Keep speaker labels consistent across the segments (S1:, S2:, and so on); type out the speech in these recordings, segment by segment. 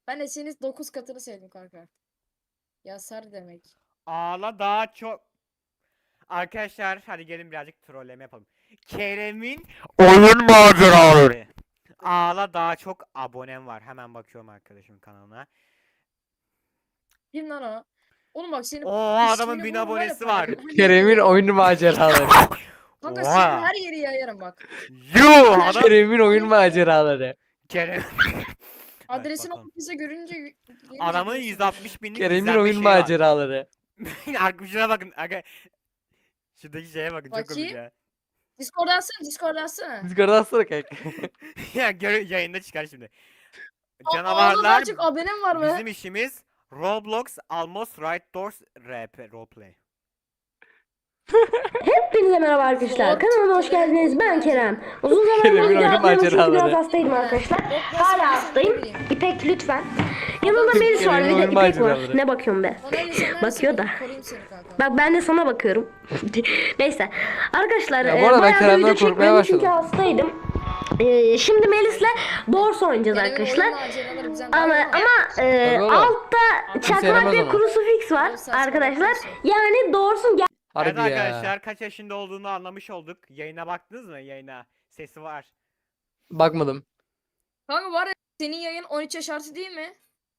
S1: Ben de senin 9 katını sevdim kanka. Yasar demek.
S2: Ağla daha çok. Arkadaşlar hadi gelin birazcık trolleme yapalım. Kerem'in oyun maceraları. Ağla daha çok abonem var. Hemen bakıyorum arkadaşımın kanalına.
S1: Kim lan o? Oğlum bak senin
S2: Oha adamın
S1: ismini
S2: 1000
S1: bulurum var ya
S2: abonesi var.
S1: paylaşırım. Her yere
S3: Kerem'in
S1: yayarım.
S3: oyun maceraları.
S1: Kanka senin
S2: Oha.
S1: her yeri yayarım bak.
S2: Yuh adam.
S3: Kerem'in oyun maceraları.
S2: Kerem.
S1: Adresini
S2: bakalım.
S1: ofise görünce
S2: Adamın 160 binlik
S3: Kerem'in
S2: izlenme
S3: oyun
S2: şeyi var.
S3: maceraları.
S2: Şuna bakın. Aga. Şuradaki şeye bakın çok komik
S1: Bakayım.
S2: ya.
S1: Discord atsana, Discord atsana.
S3: Discord'a atsana kanka.
S2: Ya yayında çıkar şimdi.
S1: Ağzına
S2: Canavarlar
S1: daha çok abonem var mı?
S2: bizim işimiz Roblox Almost Right Doors RP Roleplay.
S4: Hepinize merhaba arkadaşlar. Kanalıma hoş geldiniz. Ben Kerem. Uzun zamandır
S3: Kerem'in
S4: video
S3: oyun
S4: atmıyorum çünkü biraz
S3: maceraları.
S4: hastaydım arkadaşlar.
S1: Yok,
S4: Hala
S1: nasıl
S4: hastayım.
S1: bileyim.
S4: İpek lütfen. Yanımda Melis var.
S3: Kerem'in
S4: Bir de
S3: oyun
S4: İpek var.
S3: maceraları.
S4: Ne bakıyorsun be?
S1: Bana öyle sen
S4: Bakıyor da.
S1: Koruyayım seni kanka.
S4: Bak ben de sana bakıyorum. Neyse. Arkadaşlar
S3: Ya bu arada ben
S4: bayağı da
S3: Kerem'den
S4: video
S3: korkmaya
S4: çekmedim çünkü
S3: başladım.
S4: hastaydım. Şimdi Melis'le Dors oynayacağız
S1: Kerem'in
S4: arkadaşlar.
S1: oyun maceraları bizden daha
S4: Ama,
S1: iyi
S4: ama
S3: oğlum.
S4: altta çakmak
S3: sevmez
S4: ve
S3: onu.
S4: krusifix var
S1: Yok, saçma
S4: arkadaşlar.
S1: yapıyorsun.
S4: Yani Dors'un
S2: Evet
S3: Harbi
S2: arkadaşlar
S3: ya.
S2: kaç yaşında olduğunu anlamış olduk. Yayına baktınız mı? Yayına. Sesi var.
S3: Bakmadım.
S1: Kanka var ya senin yayın 13 yaş artı değil mi?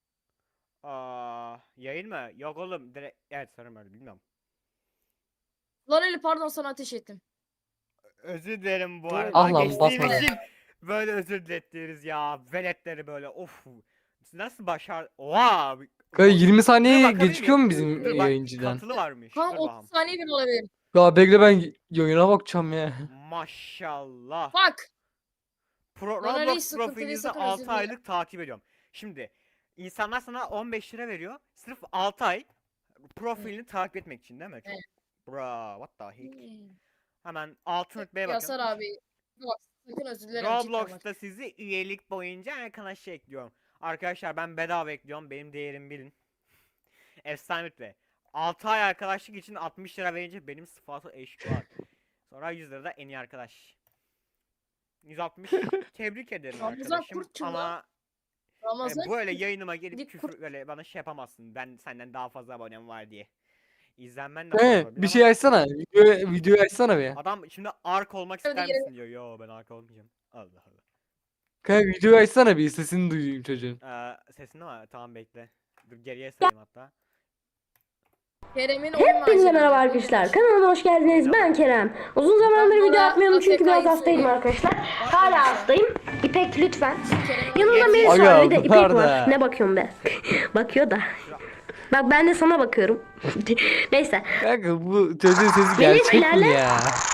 S2: Yayın mı? Yok oğlum. Direkt... Evet sanırım öyle bilmiyorum.
S1: Lan öyle pardon sana ateş ettim.
S2: Özür dilerim bu
S1: Dur.
S2: arada.
S3: Ah lan,
S2: Geçtiğim
S3: basma.
S2: için böyle özür dilettiriz ya. Veletleri böyle of. Nasıl başar... Oha.
S3: Kanka 20
S2: Dur
S3: saniye
S2: bakabilir
S3: gecikiyor
S2: miyim?
S3: mu bizim
S2: Dur bak,
S3: yayıncıdan?
S2: katılı varmış.
S1: Kanka
S2: Dur
S1: 30
S2: bakalım.
S1: saniye bile olabilir.
S3: Ya bekle ben yayına bakacağım ya.
S2: Maşallah.
S1: Bak. Lan öyle hiç
S2: Roblox
S1: sıkıntı değil,
S2: profilinizi
S1: sakın
S2: 6
S1: özür dile.
S2: aylık takip ediyorum. Şimdi insanlar sana 15 lira veriyor. Sırf 6 ay profilini takip etmek için değil mi? Çok...
S1: Evet.
S2: Bra, what the heck? Hemen altın rütbeye bakın.
S1: Yasar abi. Bak sakın özür dilerim. cidden bak.
S2: Roblox'ta sizi üyelik boyunca arkadaşlar ekliyorum. Arkadaşlar ben bedava ekliyorum. Benim değerimi bilin. Efsane rütbe. 6 ay arkadaşlık için 60 lira verince benim sıfatı eşit var. Sonra 100 lira da en iyi arkadaş. 160 tebrik ederim
S1: Ramazan
S2: arkadaşım
S1: Kurtçu lan.
S2: ama
S1: Ramazan
S2: böyle yayınıma gelip
S1: Dik
S2: küfür böyle bana şey yapamazsın. Ben senden daha fazla abonem var diye. İzlenmen de
S3: He,
S2: fazla olabilir
S3: bir şey
S2: ama
S3: açsana. Videoyu açsana bir.
S2: adam şimdi ark olmak
S1: Hadi
S2: ister
S1: gelin.
S2: misin diyor. Yo ben ark olmayacağım. Allah Allah.
S3: Kanka videoyu açsana bir sesini duyayım çocuğun.
S2: Sesin ama tamam bekle. Dur geriye sayayım hatta.
S1: Kerem'in oyun
S4: Hepinize merhaba
S1: maceraları.
S4: arkadaşlar. Kanalıma hoş geldiniz. Ben Kerem. Uzun zamandır
S1: Ben
S4: video
S1: bana
S4: atmıyorum çünkü biraz
S1: AFK'yı
S4: hastaydım
S1: söyleyeyim.
S4: arkadaşlar.
S1: Bak
S4: Hala
S1: mesela.
S4: hastayım. İpek lütfen.
S1: Kerem'in
S4: Yanımda
S1: oyun
S4: Melis
S3: Aga,
S4: var. Bir de İpek
S3: bunlar
S4: var.
S3: da.
S4: Ne bakıyorsun be? Bakıyor da. Bak ben de sana bakıyorum. Neyse.
S3: Kanka bu çocuğun sesi
S4: Melis
S3: gerçek mi
S4: ilerle.
S3: ya?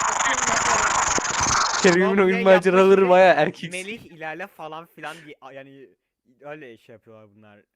S3: Kerem'in
S2: Roleplay
S3: oyun
S2: yapmış
S3: maceraları
S2: ve
S3: baya erkek.
S2: Melih ilerle falan filan diye yani öyle şey yapıyorlar bunlar.